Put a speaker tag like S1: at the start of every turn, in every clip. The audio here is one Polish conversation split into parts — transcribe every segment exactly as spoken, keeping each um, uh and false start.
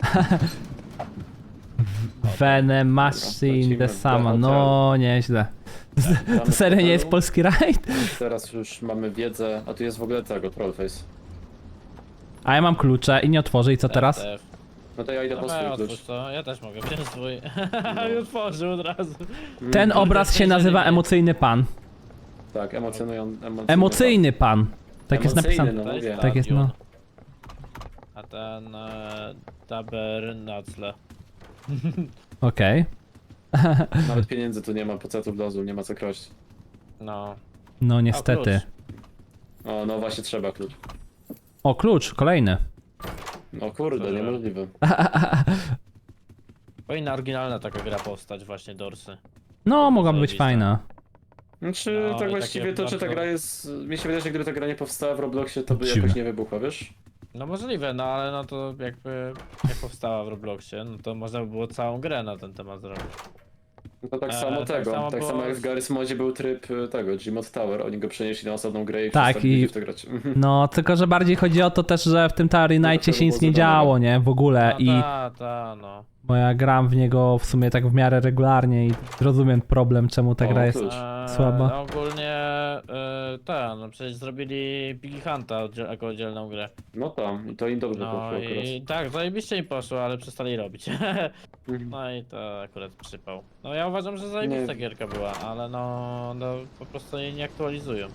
S1: Venom Machine the Sama, no nieźle. To serio nie jest polski rajd?
S2: Teraz już mamy wiedzę, a tu jest w ogóle tego, Trollface.
S1: A ja mam klucze i nie otworzę i co teraz?
S3: F.
S2: No to ja idę po
S3: Dobra,
S2: swój
S3: otwórz
S2: klucz.
S3: to, ja też mogę wziąć swój. I otworzył od razu.
S1: Ten obraz się nazywa Emocjonalny Pan.
S2: Tak, emocjonują...
S1: Emocjonalny Pan. Tak jest
S2: Emocjonalny,
S1: napisane.
S2: no mówię.
S1: Tak jest, no.
S3: A ten... E, Tabernacle.
S1: Okej.
S2: Nawet pieniędzy tu nie ma, pocetów dozu, nie ma co kraść.
S3: No.
S1: No niestety.
S2: O, no właśnie trzeba klucz.
S1: O, klucz, kolejny.
S2: No kurde,
S3: Dobra.
S2: niemożliwe.
S3: Powinna oryginalna taka gra powstać, właśnie Dorsy.
S1: No, mogłaby być
S3: Zajebista.
S1: fajna.
S2: Znaczy,
S3: No,
S2: tak
S3: i
S2: właściwie
S3: takie
S2: to, czy ta
S3: bardzo-
S2: gra jest... Mi się wydaje, że gdyby ta gra nie powstała w Robloxie, to by
S1: Dziwne.
S2: jakoś nie wybuchła, wiesz?
S3: No możliwe, no ale no to jakby jak powstała w Robloxie, no to można by było całą grę na ten temat zrobić.
S2: No to tak
S3: E,
S2: samo
S3: tak
S2: tego,
S3: samo
S2: tak
S3: było
S2: samo jak
S3: z-
S2: w Garry's Modzie był tryb y, tego, Gmod Tower, oni go przenieśli na osobną grę i
S1: Tak,
S2: przestali
S1: i-
S2: ludzi w to grać.
S1: No, tylko że bardziej chodzi o to też, że w tym Tower Nightie
S2: tego
S1: się nic
S2: było
S1: nie
S2: zadane.
S1: działo, nie? W ogóle.
S3: No
S1: I
S3: ta, ta, no.
S1: bo ja gram w niego w sumie tak w miarę regularnie i rozumiem problem, czemu ta
S2: O,
S1: gra jest
S2: klucz.
S3: Eee,
S1: słaba.
S3: no ogólnie e, ten, no przecież zrobili Piggy Hunta oddziel, jako oddzielną grę.
S2: No tam, i to im dobrze
S3: No
S2: poszło akurat.
S3: i tak, zajebiście im poszło, ale przestali robić.
S2: Mhm.
S3: No i to akurat przypał. No ja uważam, że zajebista
S2: Nie.
S3: gierka była, ale no, no po prostu jej nie aktualizują.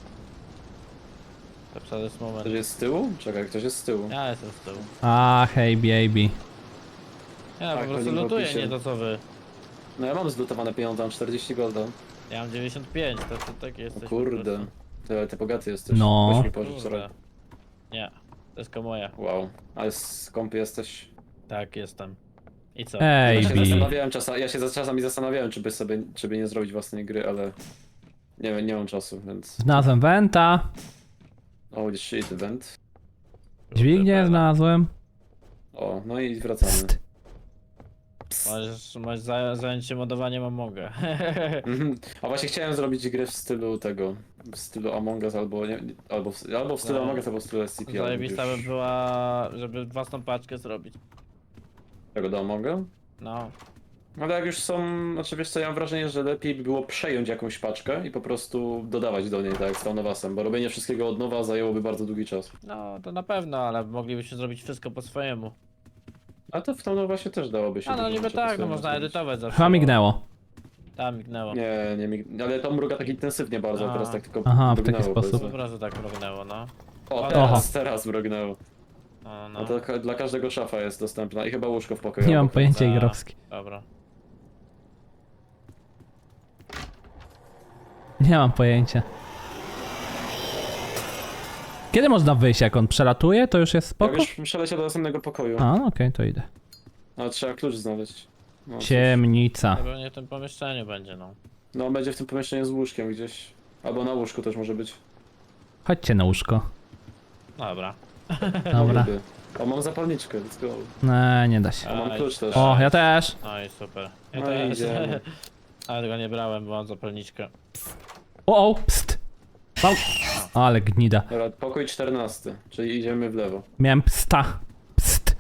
S3: To jest moment.
S2: Ktoś jest z tyłu? Czekaj, ktoś jest z tyłu.
S3: Ja jestem z tyłu.
S1: A, hej baby.
S3: Ja
S2: Tak,
S3: po prostu
S2: link w
S3: lutuję,
S2: opisie.
S3: nie to co wy.
S2: No ja mam zlutowane pieniądze, mam czterdzieści golda.
S3: Ja mam dziewięćdziesiąt pięć, to, to tak
S2: O
S3: jesteś.
S2: kurde, ty, ty bogaty jesteś.
S1: No.
S2: Weź mi pożycz
S3: Kurde.
S2: rok.
S3: Nie, to jest tylko moja.
S2: Wow, ale skąpy jesteś.
S3: Tak, jestem. I co?
S1: Ej,
S2: Ja się
S1: Bi.
S2: zastanawiałem czasami, ja się za- czasami zastanawiałem, czy by sobie, czy by nie zrobić własnej gry, ale nie wiem, nie mam czasu, więc...
S1: Znalazłem Venta.
S2: Holy shit, event.
S1: Dźwignię znalazłem.
S2: O, no i wracamy.
S1: Psst.
S3: Możesz, możesz za- zająć się modowaniem Amonga.
S2: Mhm. A właśnie chciałem zrobić grę w stylu tego, w stylu Among Us albo, nie, albo, w, albo w stylu
S3: No.
S2: Among Us, albo w stylu S C P. albo
S3: Zajebista by
S2: już-
S3: była, żeby własną paczkę zrobić.
S2: Tego do Amonga?
S3: No.
S2: Ale jak już są, znaczy wiesz co, ja mam wrażenie, że lepiej by było przejąć jakąś paczkę i po prostu dodawać do niej, tak jak z Taunowasem, bo robienie wszystkiego od nowa zajęłoby bardzo długi czas.
S3: No, to na pewno, ale moglibyśmy zrobić wszystko po swojemu.
S2: A to w Taunowasie też dałoby się.
S3: A no
S2: dużo
S3: niby
S2: rzeczy po
S3: tak, no
S2: swojemu
S3: można
S2: zrobić.
S3: edytować zawsze.
S1: Chyba mignęło.
S3: Tam mignęło.
S2: Nie, nie, mig- ale to mruga tak intensywnie bardzo, a
S3: A.
S2: teraz tak tylko
S1: Aha, w taki
S2: mrugnęło,
S1: sposób.
S3: Po
S2: powiedzmy.
S3: prostu tak mrugnęło, no.
S2: O,
S3: Oho.
S2: teraz, teraz mrugnęło.
S3: No,
S2: No
S3: no.
S2: to ka- dla każdego szafa jest dostępna i chyba łóżko w pokoju.
S1: Nie mam
S2: obok.
S1: pojęcia
S3: A,
S1: igrowskie.
S3: Dobra.
S1: Nie mam pojęcia. Kiedy można wyjść, jak on przelatuje, to już jest
S2: Ja
S1: spoko?
S2: już przeleciał do następnego pokoju,
S1: A, no okej, to idę.
S2: ale trzeba klucz znaleźć. No, cóż.
S1: Ciemnica.
S3: Pewnie w tym pomieszczeniu będzie, no.
S2: No będzie w tym pomieszczeniu z łóżkiem gdzieś. Albo na łóżku też może być.
S1: Chodźcie na łóżko.
S3: Dobra.
S1: Dobra.
S2: Niby. O, mam zapalniczkę, let's go.
S1: Nie, nie da się.
S2: A mam
S3: Aj.
S2: klucz też.
S1: O, ja też.
S3: No i super. Ja
S2: No
S3: też.
S2: idziemy.
S3: Ale go nie brałem, bo mam zapalniczkę.
S1: O, o, pst. Pał. Ale gnida.
S2: Dobra, pokój czternasty, czyli idziemy w lewo.
S1: Miałem psta. Pst.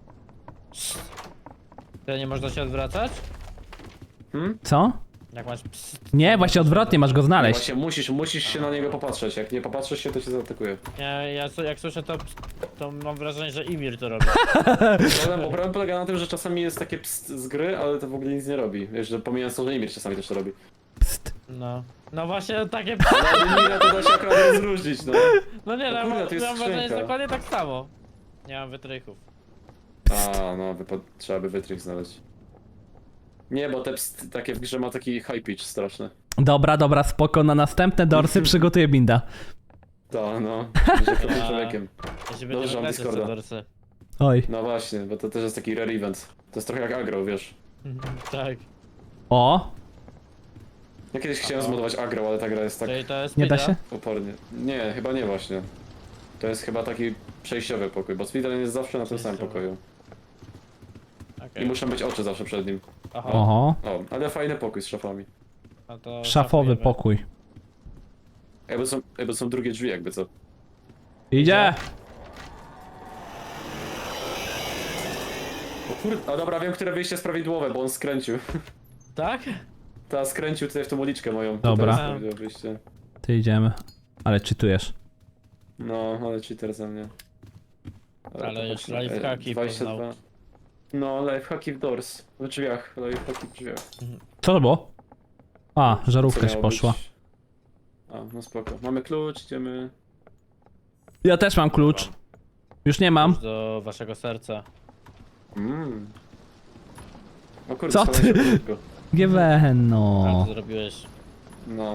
S3: Ty nie można się odwracać?
S2: Hmm?
S1: Co?
S3: Jak masz pst.
S1: Nie, właśnie odwrotnie, masz go
S2: No
S1: znaleźć.
S2: właśnie, musisz, musisz się na niego popatrzeć. Jak nie popatrzysz się, to się zaatakuje.
S3: Nie, ja co- jak słyszę to, pst, to mam wrażenie, że Imir to robi.
S2: Problem, bo problem polega na tym, że czasami jest takie pst z gry, ale to w ogóle nic nie robi. Wiesz, że pomijając to, że Imir czasami też to robi.
S1: Pst.
S3: No. No właśnie takie pst.
S2: Ale Imira to da się akurat rozróżnić, no.
S3: No nie,
S2: No
S3: no,
S2: kurde,
S3: mam,
S2: tu jest
S3: mam wrażenie, że
S2: skrzynka.
S3: dokładnie tak samo. Nie mam wytrychów.
S2: A, no, wypad... trzeba by wytrych znaleźć. Nie, bo te pst, takie w grze ma taki high pitch straszny.
S1: Dobra, dobra, spoko. Na następne dorsy przygotuję binda.
S2: To, no, że krokiem człowiekiem.
S3: Jeśli
S2: Dobrze,
S3: będziemy
S2: mam
S3: grać
S2: Discorda.
S3: jeszcze dorsy.
S1: Oj.
S2: No właśnie, bo to też jest taki rare event. To jest trochę jak agro, wiesz.
S3: Tak.
S1: O,
S2: Ja kiedyś chciałem zmodować agro, ale ta gra jest tak
S3: Czyli to jest
S1: nie da
S3: speeda?
S1: się?
S2: opornie. Nie, chyba nie właśnie. To jest chyba taki przejściowy pokój, bo speedrun jest zawsze na tym samym
S3: Przejściowy.
S2: pokoju.
S3: Okej.
S2: I muszą być oczy zawsze przed nim.
S3: Aha.
S1: Oho.
S2: O, ale fajny pokój z szafami.
S3: No to
S1: Szafowy
S3: szafujemy.
S1: pokój.
S2: Jakby są, jakby są drugie drzwi, jakby co.
S1: Idzie!
S2: O kurde, a dobra, wiem, które wyjście jest prawidłowe, bo on skręcił.
S3: Tak?
S2: Teraz skręcił tutaj w tą uliczkę moją.
S1: Dobra.
S2: Tutaj jest prawidłowe wyjście.
S1: Ty idziemy. Ale czytujesz.
S2: No, ale cheater ze mnie.
S3: Ale
S2: to
S3: już
S2: chodź,
S3: lifehacki
S2: e, dwadzieścia dwa.
S3: poznał.
S2: No, lifehacki w doors. W drzwiach, lifehacki w drzwiach.
S1: Co to było? A,
S2: Co
S1: żarówka się
S2: miało
S1: poszła.
S2: być? A, no spoko. Mamy klucz, idziemy...
S1: Ja też mam klucz. Już nie mam.
S3: Do waszego serca.
S2: Mmm. O kurde,
S1: Co
S2: schowałem
S1: ty?
S2: się pod łóżko.
S1: G W N,
S3: Ale
S1: no.
S3: to zrobiłeś.
S2: No.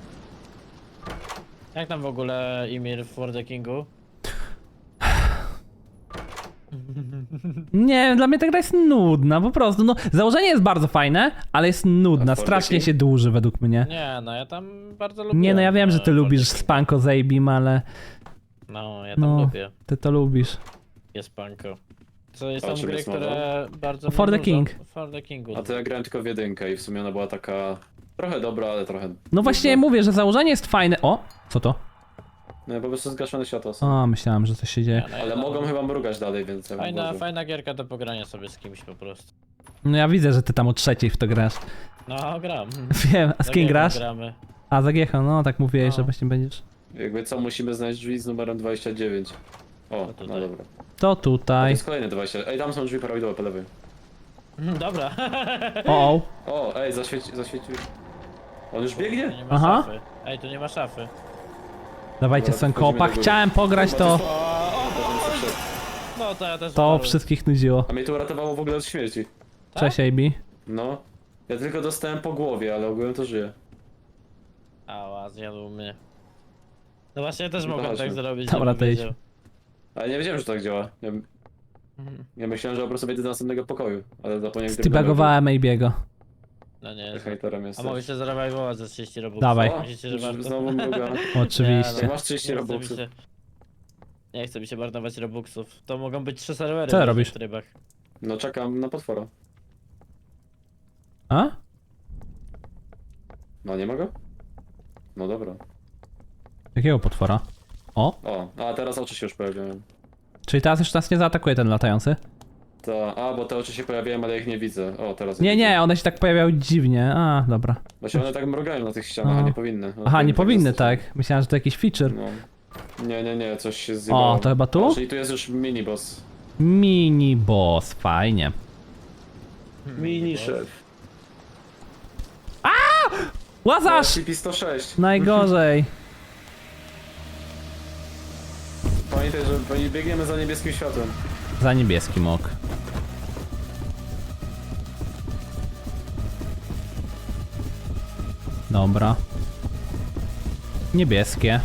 S3: Jak tam w ogóle Imir w For the Kingu?
S1: Nie, dla mnie ta gra jest nudna, po prostu. No, założenie jest bardzo fajne, ale jest nudna.
S2: A for the
S1: Strasznie
S2: King?
S1: się dłuży według mnie.
S3: Nie, no ja tam bardzo lubię.
S1: Nie, no ja wiem, że ty
S3: e,
S1: lubisz
S3: For the King.
S1: Spanko Zajbim, ale
S3: No, ja tam
S1: No.
S3: lubię.
S1: ty to lubisz.
S3: Jest Spanko. To jest
S2: A
S3: tam
S2: czym
S3: gry,
S2: jest mowa?
S3: które bardzo
S1: For
S3: mnie
S1: the
S3: nudzą.
S1: King.
S3: For the Kingu.
S2: A to ja grałem tylko w jedynkę i w sumie ona była taka... Trochę dobra, ale trochę...
S1: No właśnie
S2: nudna.
S1: mówię, że założenie jest fajne. O, co to?
S2: No po prostu zgaszone światła są.
S1: A, myślałem, że coś się dzieje.
S3: Nie, no,
S2: Ale
S3: ja
S2: mogą
S3: tam-
S2: chyba mrugać dalej, więc ja bym
S3: Fajna,
S2: uważał.
S3: fajna gierka do pogrania sobie z kimś po prostu.
S1: No ja widzę, że ty tam o trzeciej w to grasz.
S3: No, gram.
S1: Wiem, a z
S3: Za
S1: kim
S3: Giechą
S1: grasz?
S3: Gramy.
S1: A, za Giechą, no tak mówiłeś,
S3: No.
S1: że właśnie będziesz.
S2: Jakby co, musimy znaleźć drzwi z numerem dwadzieścia dziewięć. O,
S3: No
S2: no
S3: tutaj.
S2: dobra.
S1: To
S2: A to
S1: tutaj.
S2: jest kolejne dwadzieścia. Ej, tam są drzwi prawidłowe po lewej.
S3: Dobra.
S1: O, o.
S2: O, ej, zaświeci, zaświecił. On już
S3: Tu
S2: biegnie?
S3: nie ma
S1: Aha.
S3: szafy. Ej, tu nie ma szafy.
S1: Dawajcie
S2: Dobra,
S1: Sankopa.
S2: wchodzimy do góry.
S1: Chciałem pograć
S2: Kurwa,
S1: to.
S2: to
S3: O, o,
S2: Potem
S3: o,
S2: przyszedł.
S3: no to ja też
S1: To
S3: umarłem.
S1: wszystkich nudziło.
S2: A mnie to uratowało w ogóle od śmierci.
S3: Tak?
S1: Cześć, A B.
S2: No. Ja tylko dostałem po głowie, ale ogólnie to żyje.
S3: Ała, zjadł mnie. No właśnie, ja też
S2: Nie
S3: mogłem
S2: poważnie.
S3: tak zrobić.
S1: Dobra,
S3: żebym
S1: to idź.
S3: wiedział.
S2: Ale nie wiedziałem, że tak działa. Ja,
S3: Mhm.
S2: ja myślałem, że po prostu wejdę do następnego pokoju, ale zapomniałem, gdzie
S1: Stybagowałem A B'ego.
S3: No nie.
S2: Haterem
S3: A
S2: jesteś.
S3: mogę się zarabajwować za trzydzieści robuxów.
S1: Dawaj.
S2: O,
S3: Myślicie, że warto?
S2: znowu mruga.
S1: Oczywiście.
S2: Jak masz trzydzieści
S3: Nie chce mi
S2: robuxów.
S3: się- Nie chce mi się marnować robuxów. To mogą być trzy serwery
S1: Co
S3: w różnych
S1: robisz?
S3: trybach.
S2: No czekam na potwora.
S1: A?
S2: No nie mogę? No dobra.
S1: Jakiego potwora? O,
S2: O, a teraz oczy się już pojawiają.
S1: czyli teraz już nas nie zaatakuje ten latający?
S2: To, a, bo te oczy się pojawiają, ale ja ich nie widzę. O, teraz
S1: Nie,
S2: je
S1: nie,
S2: widzę.
S1: one się tak pojawiały dziwnie. A, dobra.
S2: Właśnie one tak mrugają na tych ścianach,
S1: No.
S2: a nie powinny. One
S1: Aha, nie powinny
S2: zostać.
S1: tak. Myślałem, że to jakiś feature.
S2: No. Nie, nie, nie, coś się zjebało.
S1: O, to chyba tu?
S2: A, czyli tu jest już mini boss.
S1: Mini boss, fajnie.
S2: Mini szef.
S1: Łazarz!
S2: C P sto sześć.
S1: Najgorzej.
S2: Pamiętaj, że biegniemy za niebieskim światłem.
S1: Za niebieskim ok. Dobra. Niebieskie.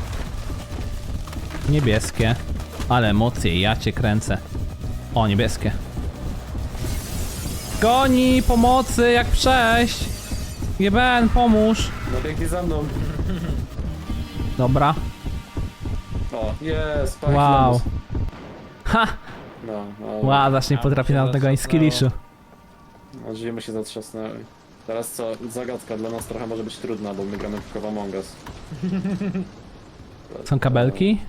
S1: Niebieskie. Ale emocje, ja cię kręcę. O, niebieskie. Goni, pomocy, jak przejść. G B N, pomóż.
S2: No biegnij za mną.
S1: Dobra.
S2: O, jest, Spike
S1: Wow.
S2: Lemus.
S1: Ha!
S2: No, no.
S1: Łazarz nie
S3: A,
S1: potrafi
S3: się
S1: nawet tego ani
S3: zatrzasnęło.
S1: skilliszu.
S2: No, drzwi mu się zatrzasnęły. Teraz co, zagadka dla nas trochę może być trudna, bo my gramy tylko w Among Us.
S1: Są kabelki?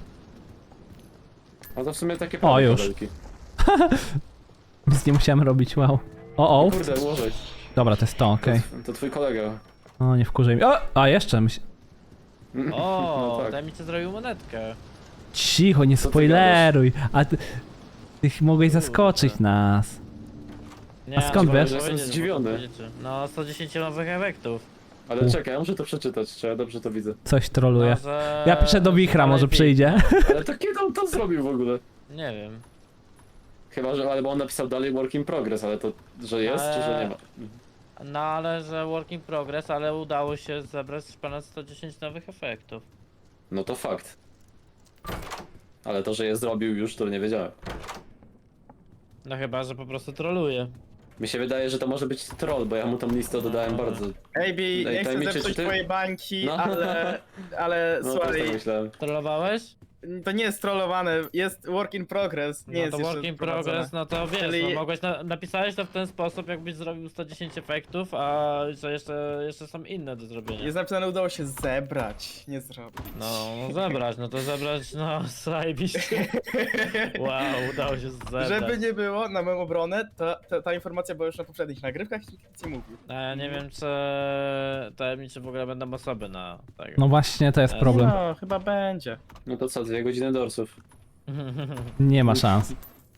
S2: A to w sumie takie
S1: O,
S2: prawie
S1: już.
S2: kabelki.
S1: Nic nie musiałem robić, wow. O, o.
S2: Kurde, ułożej.
S1: Dobra, to jest to, okej.
S2: To twój kolega.
S1: O, nie wkurzaj mi. O! A, jeszcze myśl...
S3: O,
S2: No tak.
S3: daj mi ci zrobił monetkę.
S1: Cicho, nie
S2: Co ty
S1: spoileruj. A ty... Ty ch- mogłeś
S3: Kurde.
S1: zaskoczyć nas.
S3: Nie,
S1: A skąd
S3: no,
S1: wiesz?
S3: powiedzieć,
S2: Jestem
S3: bo to
S2: zdziwiony.
S3: powiedzieć. No, sto dziesięć nowych efektów.
S2: Ale czekaj, ja muszę to przeczytać, czy ja dobrze to widzę.
S1: Coś troluje.
S3: No, że...
S1: Ja piszę do Wichra,
S3: że
S1: może
S3: lepiej-
S1: przyjdzie.
S2: Ale to kiedy on to zrobił w ogóle?
S3: Nie wiem.
S2: Chyba, że albo on napisał dalej work in progress, ale to, że jest, czy że nie ma?
S3: No ale że work in progress, ale udało się zebrać ponad sto dziesięć nowych efektów.
S2: No to fakt. Ale to, że je zrobił już, to nie wiedziałem.
S3: No chyba, że po prostu troluje.
S2: Mi się wydaje, że to może być troll, bo ja mu tą listę dodałem bardzo.
S4: Ej, Bi, nie chcę
S2: tajemniczy,
S4: zepsuć
S2: czy ty?
S4: twojej bańki,
S2: No.
S4: ale, ale
S2: No też
S4: słuchaj,
S2: tak myślałem.
S3: Trollowałeś?
S4: to nie jest trollowane, jest work in progress, nie
S3: No
S4: jest
S3: to
S4: jeszcze
S3: work in
S4: wprowadzone.
S3: progress, no to wiesz,
S4: Czyli-
S3: no mogłeś na, napisałeś to w ten sposób, jakbyś zrobił sto dziesięć efektów, a że jeszcze, jeszcze są inne do zrobienia.
S4: Jest napisane, udało się zebrać, nie zrobić.
S3: No, no zebrać, no to zebrać, no zajebiście. Wow, udało się zebrać.
S4: Żeby nie było, na moją obronę, ta, ta, ta informacja była już na poprzednich nagrywkach i nikt nic nie mówił.
S3: A ja nie wiem, czy tajemnicze w ogóle będą osoby na tego.
S1: No właśnie, to jest
S3: No.
S1: problem.
S4: No, chyba będzie.
S2: No to co, dwie godziny dorsów.
S1: Nie ma szans.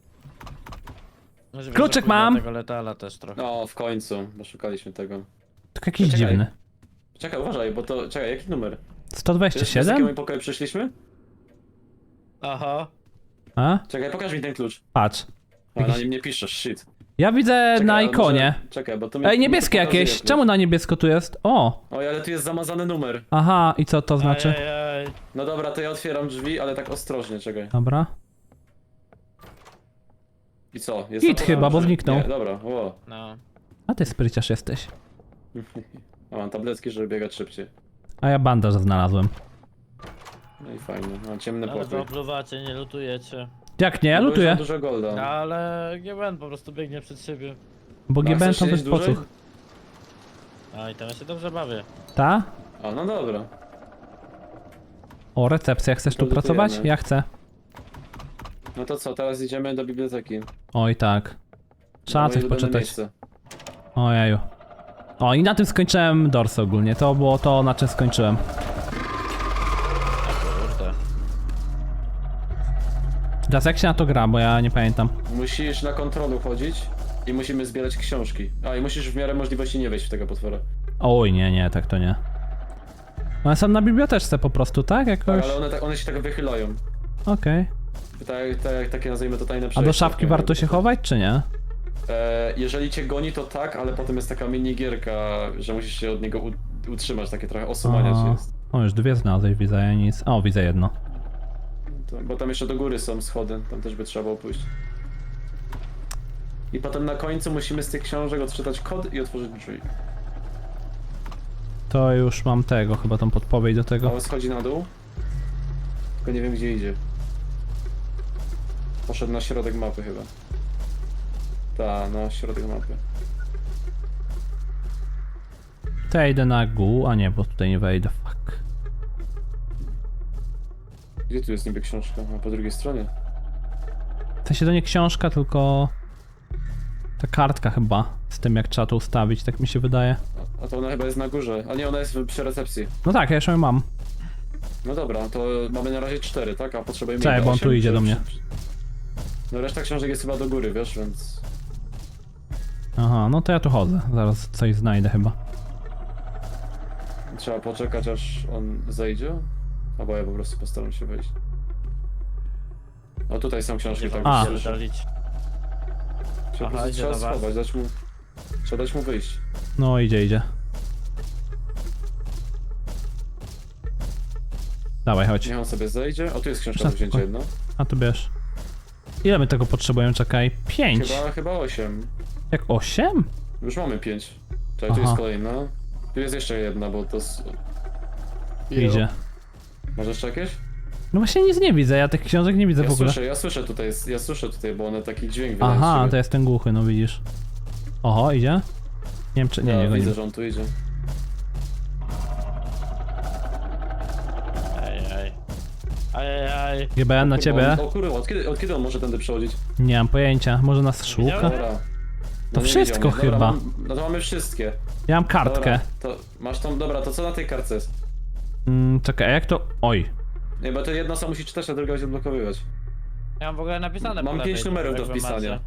S3: Może
S1: Kluczyk
S3: zapomnę
S1: mam.
S3: tego letala też trochę.
S2: No, w końcu, bo szukaliśmy tego.
S1: Tylko jakiś
S2: Czekaj.
S1: dziwny.
S2: Czekaj, uważaj, bo to, czekaj, jaki numer?
S1: sto
S2: Wiesz,
S1: dwadzieścia
S2: z jakiego
S1: siedem?
S2: my pokoju przyszliśmy?
S3: Aha.
S1: A?
S2: Czekaj, pokaż mi ten klucz.
S1: Patrz.
S2: A, na
S1: Jakiś-
S2: nim nie piszesz, shit.
S1: Ja widzę
S2: Czekaj,
S1: na
S2: ale
S1: ikonie.
S2: Może... Czekaj, bo to mi...
S1: Ej,
S2: mi
S1: niebieskie
S2: to pokazuje
S1: jakieś.
S2: klucz.
S1: Czemu na niebiesko tu jest? O!
S2: Oj, ale tu jest zamazany numer.
S1: Aha, i co to znaczy?
S3: Ajajaj.
S2: No dobra, to ja otwieram drzwi, ale tak ostrożnie, czekaj.
S1: Dobra.
S2: I co? Jest
S1: Git
S2: zamazany?
S1: chyba, bo
S2: Nie,
S1: zniknął.
S2: dobra, o.
S3: No.
S1: A ty spryciarz jesteś.
S2: A mam tabletki, żeby biegać szybciej.
S1: A ja bandaż znalazłem.
S2: No i fajnie, mam ciemny
S3: Ale wy
S2: pokój.
S3: opluwacie, nie lutujecie.
S1: Jak nie, ja
S2: No bo już
S1: lutuję.
S2: mam dużo golda.
S3: No, ale G B N po prostu biegnie przed siebie.
S1: Bo
S2: A
S1: G B N
S2: chcesz
S1: to
S2: siedzieć
S1: bez pocuch.
S2: dłużej?
S3: A i tam ja się dobrze bawię.
S1: Ta?
S2: A, no dobra.
S1: O, recepcja, chcesz tu
S2: To lutujemy.
S1: pracować? Ja chcę.
S2: No to co, teraz idziemy do biblioteki.
S1: Oj tak. Trzeba
S2: Moje
S1: coś
S2: ulubione
S1: poczytać.
S2: miejsce.
S1: Ojeju. O, i na tym skończyłem Dorsy ogólnie. To było to, na czym skończyłem.
S3: Kurde.
S1: Teraz jak się na to gra, bo ja nie pamiętam.
S2: Musisz na kontrolu chodzić i musimy zbierać książki. A, i musisz w miarę możliwości nie wejść w tego potwora.
S1: Oj, nie, nie, tak to nie. One są na biblioteczce po prostu, tak?
S2: Tak,
S1: Jakoś?
S2: ale one, tak, one się tak wychylają.
S1: Okej.
S2: Tak, tak, takie nazwijmy to tajne
S1: A
S2: przejście.
S1: do szafki
S2: takie
S1: warto się
S2: jakby.
S1: chować, czy nie?
S2: E, jeżeli cię goni, to tak, ale potem jest taka mini gierka, że musisz się od niego u, utrzymać, takie trochę osumania
S1: A.
S2: się jest.
S1: O, już dwie znalazłeś, widzę, ja nic. O, widzę jedno.
S2: To, bo tam jeszcze do góry są schody, tam też by trzeba było pójść. I potem na końcu musimy z tych książek odczytać kod i otworzyć drzwi.
S1: To już mam tego, chyba tą podpowiedź do tego.
S2: A on schodzi na dół, tylko nie wiem gdzie idzie. Poszedł na środek mapy chyba. Ta, na środek mapy.
S1: To ja idę na gół, a nie, bo tutaj nie wejdę, fuck.
S2: Gdzie tu jest niby książka? A po drugiej stronie.
S1: W sensie to nie książka, tylko... Ta kartka chyba, z tym jak trzeba to ustawić, tak mi się wydaje.
S2: A, a to ona chyba jest na górze. A nie, ona jest w- przy recepcji.
S1: No tak, ja już ją mam.
S2: No dobra, to mamy na razie cztery, tak? A potrzebujemy
S1: Czekaj,
S2: ile?
S1: bo on
S2: Osiem?
S1: tu idzie
S2: Czy-
S1: do mnie.
S2: czy- No reszta książek jest chyba do góry, wiesz, więc...
S1: Aha, no to ja tu chodzę, zaraz coś znajdę chyba.
S2: Trzeba poczekać aż on zejdzie? Albo ja po prostu postaram się wejść. O tutaj są książki, tak
S1: A.
S2: słyszę.
S3: Dalić.
S2: Trzeba, po
S3: Aha,
S2: prostu
S3: idzie
S2: trzeba
S3: do was.
S2: schować, dać mu... Trzeba dać mu wyjść.
S1: No idzie, idzie. Dawaj, chodź.
S2: Niech on sobie zejdzie. O, tu jest książka
S1: Proszę,
S2: do wzięcia jedna.
S1: A tu bierz. Ile my tego potrzebujemy? Czekaj. Pięć.
S2: Chyba, chyba osiem.
S1: Jak osiem?
S2: Już mamy pięć. Czekaj, tu
S1: Aha.
S2: jest kolejna. Tu jest jeszcze jedna, bo to... s-
S1: Idzie.
S2: Może jeszcze jakieś?
S1: No właśnie nic nie widzę, ja tych książek nie widzę
S2: Ja
S1: w ogóle.
S2: słyszę, ja słyszę tutaj, ja słyszę tutaj, bo one taki dźwięk wydają z
S1: Aha,
S2: siebie.
S1: to jest ten głuchy, no widzisz. Oho, idzie? Nie wiem czy... Nie,
S2: Ja
S1: nie, go
S2: widzę,
S1: nie.
S2: że on tu idzie.
S3: Ej, ej. Ajajaj.
S1: G B N na
S2: Kurwa,
S1: ciebie?
S2: on- O kurwa, od kiedy, od kiedy on może tędy przechodzić?
S1: Nie mam pojęcia, może nas szuka?
S3: Widziałem?
S2: Dobra.
S1: To
S2: nie
S1: wszystko
S2: widział mnie. Dobra,
S1: chyba.
S2: Mam, no to mamy wszystkie.
S1: Ja mam kartkę.
S2: Dobra, to masz tą, dobra, to co na tej kartce jest?
S1: Mm, czekaj, a jak to... Oj.
S2: Nie, bo to jedna osoba musi czytać, a druga będzie odblokowywać.
S3: Ja mam w ogóle napisane
S2: Mam
S3: po
S2: pięć
S3: lewej,
S2: numerów do
S3: jak wy
S2: wpisania.
S3: macie.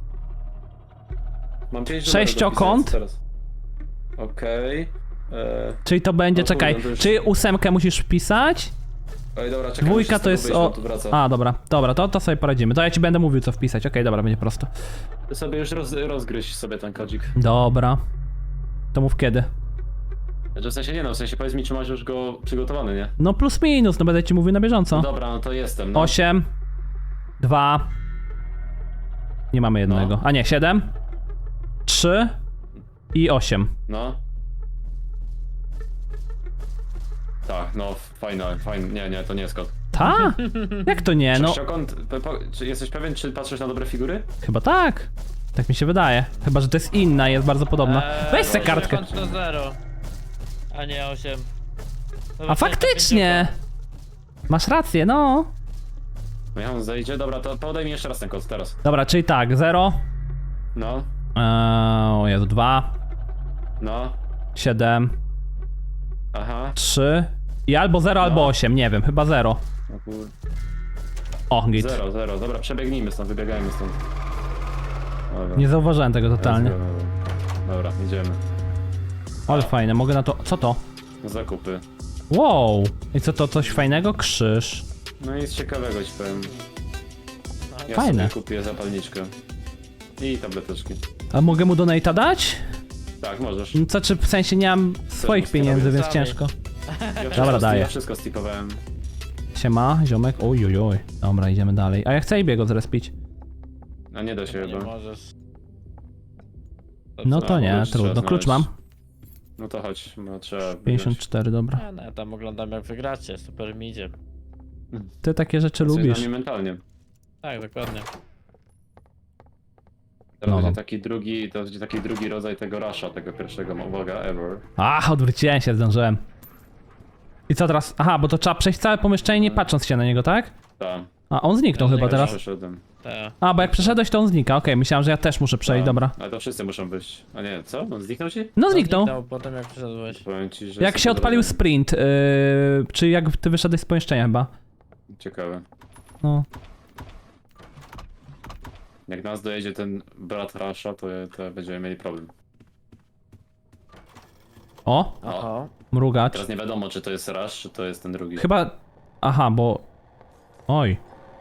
S2: Mam pięć
S1: Sześciokąt?
S2: numerów do wpisania teraz. Okej. Eee,
S1: Czyli to będzie,
S2: No
S1: czekaj,
S2: kurde, to już-
S1: czy ósemkę musisz wpisać?
S2: Ej, dobra, czekaj.
S1: Dwójka
S2: muszę z
S1: to
S2: tego
S1: jest
S2: wyjść,
S1: o...
S2: bo tu wraca.
S1: A, dobra, dobra, to, to sobie poradzimy. To ja ci będę mówił co wpisać, okej, dobra, będzie prosto.
S2: Ty sobie już roz, rozgryź sobie ten kodzik.
S1: Dobra. To mów kiedy.
S2: Znaczy w sensie nie no, w sensie powiedz mi, czy masz już go przygotowany, nie?
S1: No plus minus, no będę ci mówił na bieżąco.
S2: No dobra, no to jestem, no.
S1: osiem, dwa, nie mamy jednego,
S2: No.
S1: a nie, siedem, trzy i osiem.
S2: No. Tak, no, fajne, fajne. Nie, nie, to nie jest kod.
S1: Ta? Jak to nie? No,
S2: Sześciokąt, pe- po- czy jesteś pewien, czy patrzysz na dobre figury?
S1: chyba tak. Tak mi się wydaje. Chyba, że to jest inna, jest bardzo podobna.
S3: Eee,
S1: Weź tę
S3: bo
S1: kartkę.
S3: kończy na zero. A nie osiem.
S1: A faktycznie! Masz rację, no.
S2: No ja on zejdzie, dobra, to podaj mi jeszcze raz ten kod, teraz.
S1: Dobra, czyli tak, zero.
S2: No,
S1: Eee, o Jezu, dwa,
S2: no,
S1: siedem,
S2: aha.
S1: trzy i albo zero, albo osiem, nie wiem, chyba zero.
S2: O kur...
S1: O, git.
S2: Zero, zero, dobra, przebiegnijmy stąd, wybiegajmy stąd. Dobra.
S1: Nie zauważyłem tego totalnie.
S2: Dobra, idziemy.
S1: Ale fajne, mogę na to... Co to?
S2: Zakupy.
S1: Wow! I co to, coś fajnego? Krzyż.
S2: No i nic ciekawego ci powiem. Ja
S1: Fajne.
S2: sobie kupię zapalniczkę. I tableteczki.
S1: A mogę mu donate'a dać?
S2: Tak, możesz.
S1: No co, czy w sensie nie mam swoich
S2: móc
S1: pieniędzy,
S2: robić
S1: więc
S3: sami.
S1: ciężko.
S2: Ja
S1: Dobra,
S2: wszystko
S1: daję.
S2: Ja wszystko stipowałem.
S1: Siema, ziomek. Oj, oj, oj. Dobra, idziemy dalej. A ja chcę Ibiego zrespić.
S2: A nie da się
S3: Chyba nie
S2: chyba.
S3: możesz.
S1: No
S2: A,
S1: to nie,
S2: klucz trzeba
S1: trudno. Klucz mam.
S2: znaleźć. No to chodź, bo trzeba
S1: pięćdziesiąt cztery, dobra.
S3: Ja, no, ja tam oglądam jak wygracie, super mi idzie.
S1: Ty takie rzeczy
S2: Jesteś
S1: lubisz.
S2: z nami mentalnie.
S3: Tak, dokładnie.
S2: Teraz
S1: No,
S2: będzie
S1: no.
S2: taki drugi, to będzie taki drugi rodzaj tego rasza, tego pierwszego, uwaga, ever.
S1: A, odwróciłem się, zdążyłem. I co teraz? Aha, bo to trzeba przejść całe pomieszczenie nie patrząc się na niego, tak?
S2: Tam.
S1: A, on zniknął
S3: Ja
S1: chyba
S3: nie
S1: teraz.
S2: Przeszedłem.
S3: Te.
S1: A, bo jak przeszedłeś, to on znika. Okej, myślałem, że ja też muszę przejść,
S2: Tak.
S1: dobra.
S2: Ale to wszyscy muszą być. A nie, co? On zniknął ci?
S1: No zniknął.
S3: Potem jak przyszedłeś.
S2: Powiem ci, że...
S1: Jak
S2: jest
S1: się
S2: to
S1: odpalił
S2: drodze.
S1: sprint, yy, czy jak ty wyszedłeś z pomieszczenia chyba.
S2: Ciekawe.
S1: No.
S2: Jak nas dojedzie ten brat rasza, to, to będziemy mieli problem.
S1: O,
S3: Aha.
S1: mrugacz.
S2: Teraz nie wiadomo, czy to jest rasz, czy to jest ten drugi.
S1: Chyba... Aha, bo... Oj.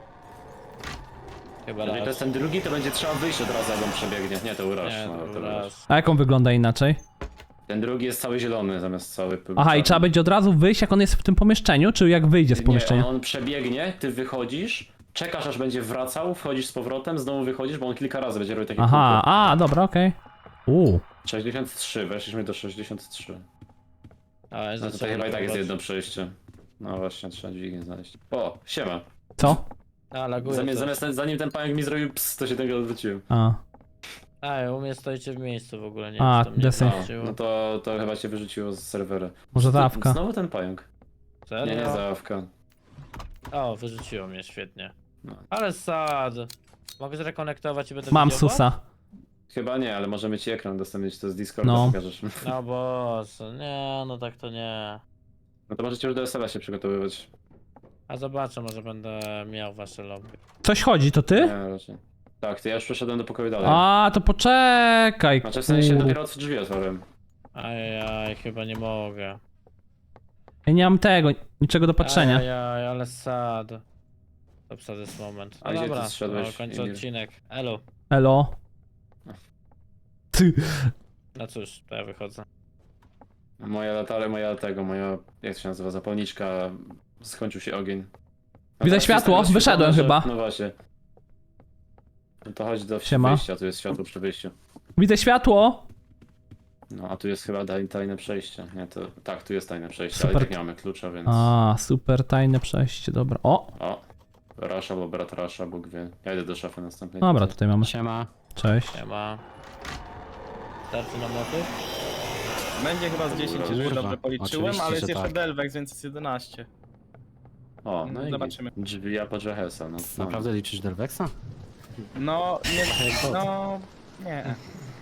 S3: Chyba
S2: Jeżeli to
S3: raz.
S2: jest ten drugi, to będzie trzeba wyjść od razu, jak on przebiegnie. Nie, to uraż.
S3: Nie,
S2: No,
S3: to
S2: to
S3: był
S2: uraż.
S3: raz.
S1: A jak on wygląda inaczej?
S2: Ten drugi jest cały zielony, zamiast cały...
S1: Aha, i trzeba będzie od razu wyjść, jak on jest w tym pomieszczeniu, czy jak wyjdzie z pomieszczenia?
S2: Nie, on przebiegnie, ty wychodzisz, czekasz aż będzie wracał, wchodzisz z powrotem, znowu wychodzisz, bo on kilka razy będzie robił takie
S1: Aha,
S2: kółko.
S1: a, dobra, okej. Uuu.
S2: sześćdziesiąt trzy, weszliśmy do sześćdziesiąt trzy.
S3: A, jest
S2: No tutaj chyba i tak jest jedno przejście. No właśnie, trzeba dźwignię znaleźć. O, siema.
S1: Co?
S3: A, laguje
S2: Zamiast,
S3: to.
S2: zamiast ten, zanim ten pająk mi zrobił ps, to się tego odwróciłem.
S1: A.
S3: A, u mnie stoicie w miejscu w ogóle, nie
S1: A,
S3: wiem, czy to mnie
S1: desy.
S2: No,
S3: wróciło.
S2: no to, to chyba cię wyrzuciło z serwera.
S1: Może
S2: To-
S1: zawka.
S2: Znowu ten pająk.
S3: Serio?
S2: Nie, nie zawka.
S3: O, wyrzuciło mnie, świetnie.
S2: No.
S3: Ale sad. Mogę zrekonektować i będę
S1: Mam
S3: widział was?
S1: susa.
S2: Chyba nie, ale możemy ci ekran udostępnić, to z Discorda
S1: No.
S2: pokażesz.
S3: No bo, nie, no tak to nie.
S2: No to możecie już do S L A się przygotowywać.
S3: A zobaczę, może będę miał wasze lobby.
S1: Coś chodzi, to ty?
S2: Nie, raczej. Tak, to ja już przeszedłem do pokoju dalej.
S1: A, to poczekaj.
S2: Znaczy w sensie
S1: kur-
S2: dopiero od drzwi otworzyłem.
S3: Ajajaj, chyba nie mogę.
S1: Ja nie mam tego, niczego do patrzenia.
S3: Ajajaj, ale sad. To sad jest moment.
S2: A
S3: No
S2: gdzie
S3: dobra,
S2: ty zszedłeś,
S3: no, kończę
S2: Emil?
S3: odcinek. Elo.
S1: Elo. Ty.
S3: No cóż, to ja wychodzę.
S2: Moja latara, moja tego, moja, jak to się nazywa, zapalniczka, skończył się ogień. No
S1: Widzę
S2: tak,
S1: światło,
S2: jest tego
S1: wyszedłem
S2: światła,
S1: chyba.
S2: że- No właśnie. No to chodź do
S1: Siema.
S2: wyjścia, tu jest światło przy wyjściu.
S1: Widzę światło.
S2: No a tu jest chyba daj- tajne przejście. Nie, to tak, tu jest tajne przejście,
S1: Super.
S2: ale i tak nie mamy klucza, więc...
S1: A, super tajne przejście, dobra. O,
S2: O, Rasza albo brat Rasza, Bóg wie. Ja idę do szafy następnej.
S1: dobra, tutaj mamy.
S5: Siema.
S1: Cześć.
S3: Nie ma. Starczy na motyw?
S4: Będzie chyba z dziesięć, jeżeli
S5: Kurwa,
S4: dobrze policzyłem,
S5: oczywiście,
S4: ale jest
S5: że
S4: jeszcze
S5: tak.
S4: Delvex, więc jest jedenaście.
S2: O, no i
S4: Zobaczymy.
S2: drzwi Apogehesa, no. no.
S5: Naprawdę liczysz Delvexa?
S4: No, nie,
S5: Jak
S4: no, nie.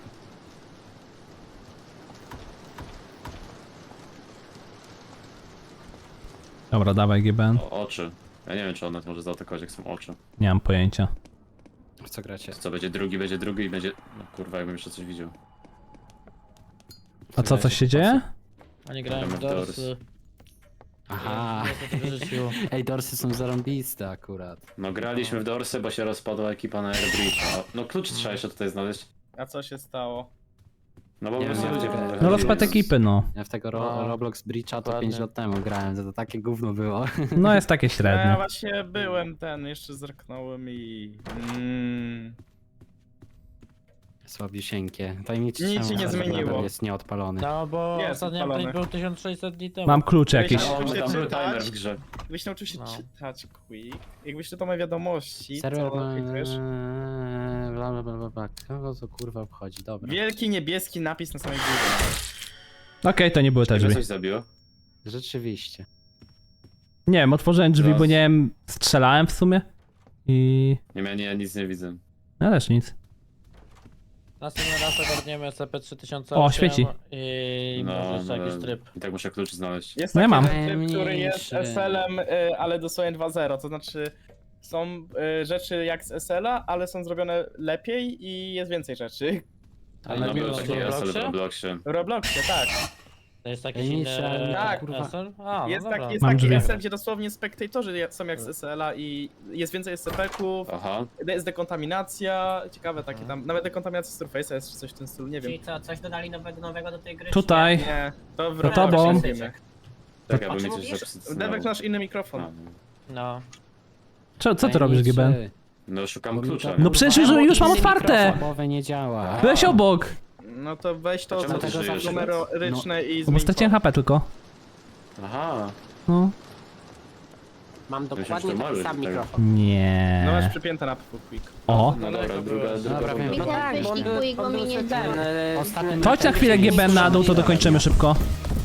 S1: Dobra, dawaj G B N.
S2: O, oczy. Ja nie wiem, czy one może zaatakować, jak są oczy.
S1: Nie mam pojęcia.
S5: W co gracie?
S2: Co, będzie drugi, będzie drugi i będzie... No kurwa, jakbym jeszcze coś widział.
S1: A co, coś się dzieje?
S3: Oni grają w
S2: Gramy w Doors.
S3: dorsy.
S5: Aha.
S3: Nie, to wyrzuciło.
S5: Ej, dorsy są zarąbiste akurat.
S2: No graliśmy w Dorsy, bo się rozpadła ekipa na Airbridge. A, no klucz trzeba jeszcze tutaj znaleźć.
S4: A co się stało?
S2: No bo
S5: Nie
S2: po prostu
S5: wiem.
S2: ludzie
S5: No,
S2: będą
S1: No
S2: wychodzili.
S1: rozpad ekipy, no.
S5: Ja w tego ro
S3: No,
S5: Roblox Breacha to
S3: dokładnie.
S5: pięć lat temu grałem, to, to takie gówno było.
S1: No jest takie
S4: Ja
S1: średnie.
S4: właśnie byłem ten, jeszcze zerknąłem i... Mm,
S5: Słabisieńkie. Tajemniczy
S4: Nic
S5: czemu
S4: się nie
S5: serwer
S4: zmieniło.
S5: jest nieodpalony.
S3: No bo
S4: Jest
S3: ostatni
S4: odpalony.
S3: update był tysiąc sześćset dni temu.
S1: Mam klucz jakiś.
S2: No, bo tam był
S4: Przeczytać?
S2: timer w grze.
S4: Jakbyś nauczył się
S3: No.
S4: czytać quick, jakbyś czytał moje wiadomości,
S5: Serwer
S4: to
S5: ma...
S4: klikujesz.
S5: Bla bla bla bla bla. Kogo to kurwa obchodzi? Dobra.
S4: Wielki niebieski napis na samej górze.
S1: Okej, to nie były te
S2: Ciebie
S1: drzwi.
S2: coś zabiło?
S5: Rzeczywiście.
S1: Nie wiem, otworzyłem drzwi,
S2: Zaraz.
S1: bo nie wiem, strzelałem w sumie. I...
S2: Nie, ja nie, nic nie widzę.
S1: Ja też nic.
S3: Następny raz ogarniemy S C P trzy tysiące
S1: O,
S3: osiem
S1: świeci.
S3: i
S2: No,
S3: może jeszcze
S2: no,
S3: jakiś tryb.
S2: I tak muszę klucz znaleźć.
S4: Jest
S1: No ja
S4: taki
S1: mam.
S4: typ, który jest
S5: Najmniejszy.
S4: S L-em, y, ale dosłownie dwa zero, to znaczy są y, rzeczy jak z S L-a, ale są zrobione lepiej i jest więcej rzeczy.
S3: Ale
S2: No,
S3: nie
S2: był
S3: było
S2: taki
S3: w
S2: S L w
S3: Robloxie?
S2: Robloxie.
S4: W Robloxie, tak.
S3: To jest jakiś
S5: Najmniejsza,
S3: inny
S4: tak,
S5: kurwa.
S3: S L? A,
S4: Jest
S3: no dobra.
S4: taki, jest
S1: Mam
S4: taki
S1: drzwi.
S4: S L, gdzie dosłownie spektatorzy je- są jak z S L-a i jest więcej S C P-ków,
S2: Aha.
S4: jest dekontaminacja, ciekawe takie tam, nawet dekontaminacja Surface'a jest czy coś w tym stylu, nie wiem.
S6: Czyli co, coś dodali nowego, nowego do tej gry? czy
S1: Tutaj.
S4: Nie, to w
S1: Za
S4: Robloxie
S1: tobą.
S4: mówimy.
S2: Tak,
S6: O
S2: jakby
S6: czym
S2: mi coś
S6: mówisz?
S2: zapisał.
S4: Dewek masz inny mikrofon.
S2: A, no.
S3: No.
S1: Co, co ty robisz, G B N?
S5: Tajemniczy.
S2: No szukam
S5: Bo mi
S2: klucza.
S5: to-
S1: No
S2: nie?
S1: przecież już, już mam otwarte!
S5: Mikrofonowe nie działa.
S1: Byłeś obok!
S4: No to weź to,
S2: Dlaczego
S4: co
S2: ty
S4: to
S2: żyjesz?
S4: są numeryczne i
S1: No bo
S4: zmień
S1: straciłem
S4: to.
S1: H P tylko.
S2: Aha.
S1: No.
S6: Mam
S2: Myślałem,
S6: dokładnie
S2: że to
S6: taki
S2: mały,
S6: sam
S2: tak.
S6: mikrofon.
S1: Nie.
S4: No masz przypięte na quick.
S1: O.
S2: No dobra, druga, druga
S5: Dobra, wiem.
S2: runda.
S5: No
S6: tak, bo on był,
S7: Wyścig, bo
S6: on
S7: mi
S6: był
S7: nie
S6: ten,
S7: działa.
S6: e,
S5: Ostatnim
S1: To chodź na chwilę G B N na dół, to dokończymy szybko.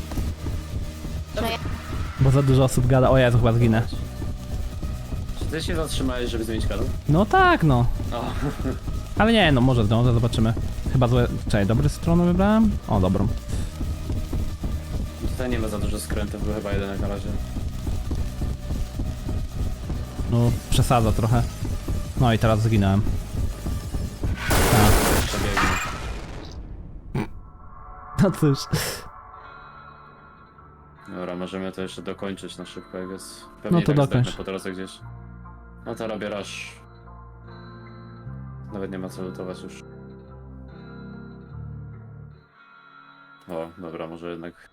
S1: Bo za dużo osób gada. O Jezu, chyba zginę.
S2: Czy ty się zatrzymałeś, żeby zmienić kanał?
S1: No tak, no.
S2: O.
S1: Ale nie, no może zdążę, zobaczymy. Chyba złe... Czekaj, dobry stronę wybrałem? O, dobrą.
S2: Tutaj nie ma za dużo skrętów, był chyba jeden na razie.
S1: No, przesadza trochę. No i teraz zginąłem. Tak.
S2: Przebiegnie.
S1: No cóż.
S2: Dobra, możemy to jeszcze dokończyć na szybko, jak jest. Pewnie
S1: No to
S2: i tak
S1: dokończ.
S2: zdechnę po drodze gdzieś. No to robię rush. Nawet nie ma co lutować już. O, dobra, może jednak...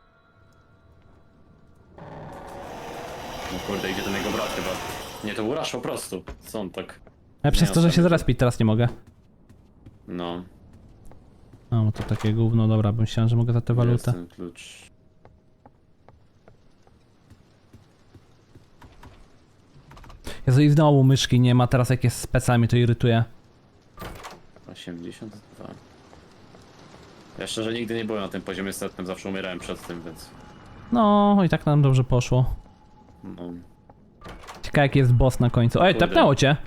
S2: No kurde, idzie ten jego brat chyba. Nie, to był rush po prostu. Co on tak...
S1: Ja przez
S2: Nie,
S1: to, że się
S2: ostatnio-
S1: zrespić teraz nie mogę.
S2: No,
S1: No, to takie gówno, dobra, bym myślałem, że mogę za tę
S2: jest
S1: walutę.
S2: ten klucz.
S1: Jezu, i znowu myszki nie ma, teraz jak jest specjalnie to irytuje.
S2: osiemdziesiąt dwa. Ja szczerze nigdy nie byłem na tym poziomie setnym, zawsze umierałem przed tym, więc...
S1: No, i tak nam dobrze poszło.
S2: No.
S1: Ciekawe jaki jest boss na końcu. Ej,
S2: Kurde.
S1: tepnęło cię!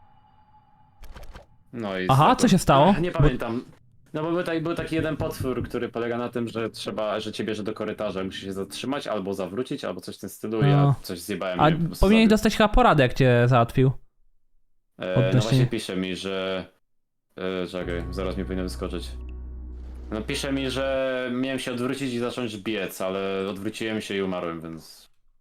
S2: No i
S1: Aha,
S2: znowu-
S1: co się stało?
S2: Ach, nie
S1: Bo-
S2: pamiętam. No bo był taki, był taki jeden potwór, który polega na tym, że trzeba, że cię bierze do korytarza, musisz się zatrzymać, albo zawrócić, albo coś w tym stylu.
S1: No.
S2: Ja coś zjebałem.
S1: A
S2: nie wiem, po prostu
S1: powinieneś
S2: zabił.
S1: dostać chyba poradę, jak cię załatwił.
S2: E, no
S1: odnośnie-
S2: właśnie pisze mi, że... E, czekaj, zaraz mi powinno wyskoczyć. No pisze mi, że miałem się odwrócić i zacząć biec, ale odwróciłem się i umarłem, więc...